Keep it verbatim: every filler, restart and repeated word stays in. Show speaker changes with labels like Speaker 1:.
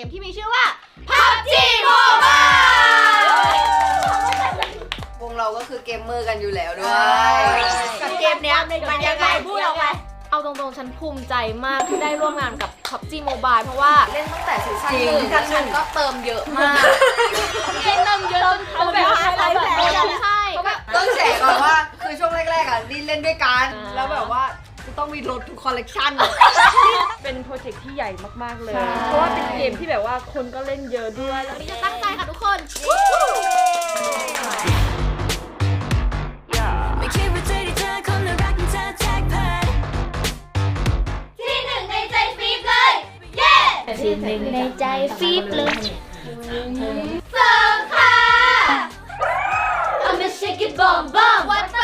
Speaker 1: มที่มีชื่อว่า พับจี Mobile
Speaker 2: วงเราก็คือเกมเมอร์กันอยู่แล้วด้วยกับเกมเนี้ยมันยังไงพูดออกไป
Speaker 1: เอาตรงๆฉันภูมิใจมากที่ได้ร่วมงานกับ พับจี Mobile เพราะว่าเล่นตั้งแต่ซีซั่นหนึ่งซีซั่นหนึ่งก็เติมเยอะมากเติมเยอะจนเขาแบบอะไรแบบใช่
Speaker 2: ต้องแฉก่อนว่าคือช่วงแรกๆอ่ะดินเล่นด้วยกันแล้วแบบว่าจะต้องมีรถทุกคอลเลกชัน
Speaker 3: เป็นโปรเจกต์ที่ใหญ่มากๆเลยเพราะว่าเป็นเกมที่แบบว่าคนก็เล่นเยอะด้วยแล้ว
Speaker 1: นี่จะตั้งใจค่ะทุกคน
Speaker 4: ที่หนึ่งในใจฟีบเลยเย้ที่หนึ่งในใจฟีบเลยสองค่ะ I'm a shake it bomb bomb
Speaker 1: ว่า